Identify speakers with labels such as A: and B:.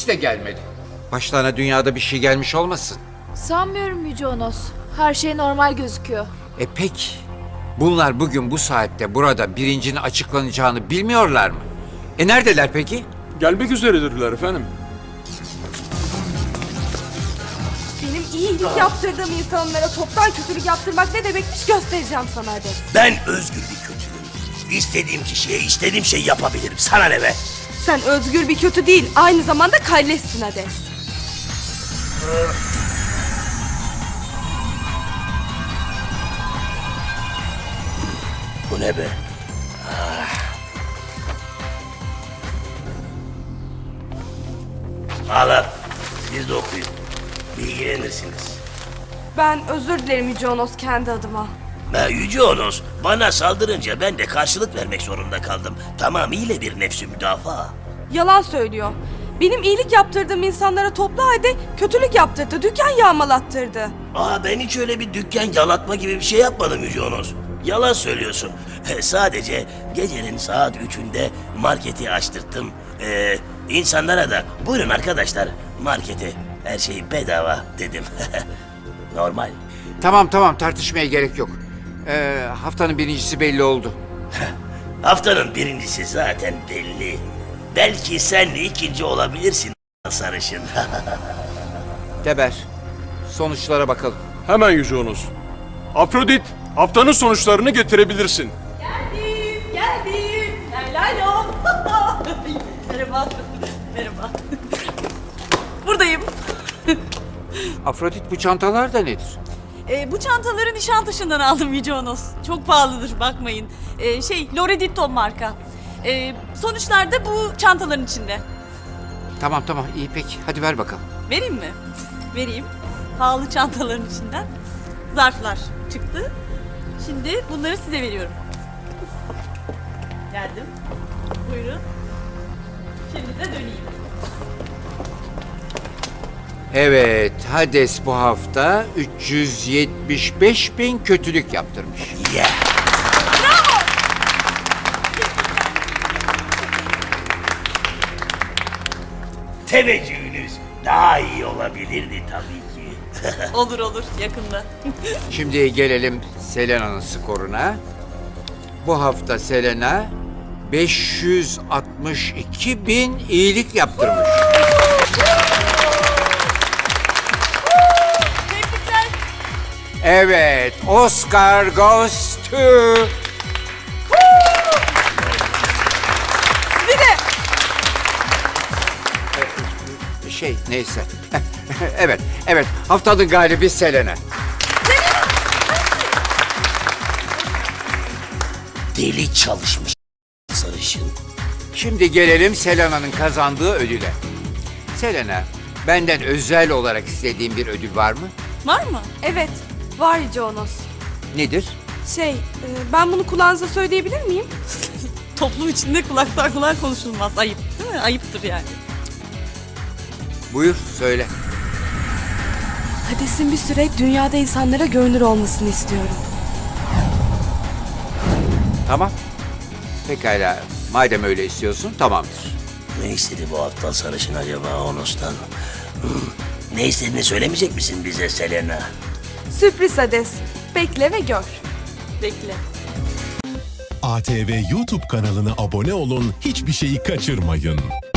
A: polis de gelmedi. Başlarına dünyada bir şey gelmiş olmasın?
B: Sanmıyorum Yüce Onos. Her şey normal gözüküyor.
A: Peki, bunlar bugün bu saatte burada birincinin açıklanacağını bilmiyorlar mı? Neredeler peki?
C: Gelmek üzeredirler efendim.
D: Benim iyilik yaptırdığım insanlara toptan kötülük yaptırmak ne demekmiş göstereceğim sana Hades.
E: Ben özgür bir kötüyüm. İstediğim kişiye istediğim şeyi yapabilirim. Sana ne be?
D: Sen özgür bir kötü değil, aynı zamanda kalleşsin Hades.
E: Bu ne be? Alın. Siz de okuyun. Bilgilenirsiniz.
D: Ben özür dilerim Yüce Onos kendi adıma.
E: Yüce Onos, bana saldırınca ben de karşılık vermek zorunda kaldım. Tamamıyla bir nefsi müdafaa.
D: Yalan söylüyor. Benim iyilik yaptırdığım insanlara toplu halde kötülük yaptırdı, dükkan yağmalattırdı.
E: Ben hiç öyle bir dükkan yalatma gibi bir şey yapmadım Yüce Onos. Yalan söylüyorsun. Sadece gecenin saat 3'ünde marketi açtırttım. İnsanlara da buyurun arkadaşlar markete her şey bedava dedim. Normal.
A: Tamam tartışmaya gerek yok. Haftanın birincisi belli oldu.
E: Haftanın birincisi zaten belli. Belki sen ikinci olabilirsin sarışın.
A: Teber, sonuçlara bakalım.
C: Hemen Yüce Onos. Afrodit, haftanın sonuçlarını getirebilirsin.
F: Geldim. Hello. Merhaba. Merhaba. Buradayım.
A: Afrodit, bu çantalar da nedir?
F: Bu çantaları Nişantaşı'ndan aldım Yüce Onos. Çok pahalıdır bakmayın. Loreditto marka. Sonuçlar da bu çantaların içinde.
A: Tamam iyi peki. Hadi ver bakalım.
F: Vereyim mi? Vereyim. Pahalı çantaların içinden zarflar çıktı. Şimdi bunları size veriyorum. Geldim. Buyurun. Şimdi de döneyim.
A: Evet, Hades bu hafta 375.000 kötülük yaptırmış.
E: Yeah. Teveccühünüz daha iyi olabilirdi tabii ki.
F: Olur yakında.
A: Şimdi gelelim Selena'nın skoruna. Bu hafta Selena 562.000 iyilik yaptırmış.
F: Tebrikler.
A: Evet, Oscar goes to...
D: Sizi de
A: Neyse. evet, haftanın galibi Selena.
E: Deli çalışmış sarışın.
A: Şimdi gelelim Selena'nın kazandığı ödüle. Selena, benden özel olarak istediğin bir ödül var mı?
F: Var mı?
D: evet, var Yüce Onos.
A: Nedir?
D: Ben bunu kulağınıza söyleyebilir miyim?
F: Toplum içinde kulaktan kulağa konuşulmaz. Ayıp değil mi? Ayıptır yani.
A: Buyur, söyle.
D: Hades'in bir süre dünyada insanlara görünür olmasını istiyorum.
A: Tamam. Pekala, madem öyle istiyorsun, tamamdır.
E: Ne istedi bu aptal sarışın acaba Onos'tan? Ne istediğini söylemeyecek misin bize Selena?
D: Sürpriz Hades. Bekle ve gör.
F: Bekle.
G: ATV YouTube kanalına abone olun, hiçbir şeyi kaçırmayın.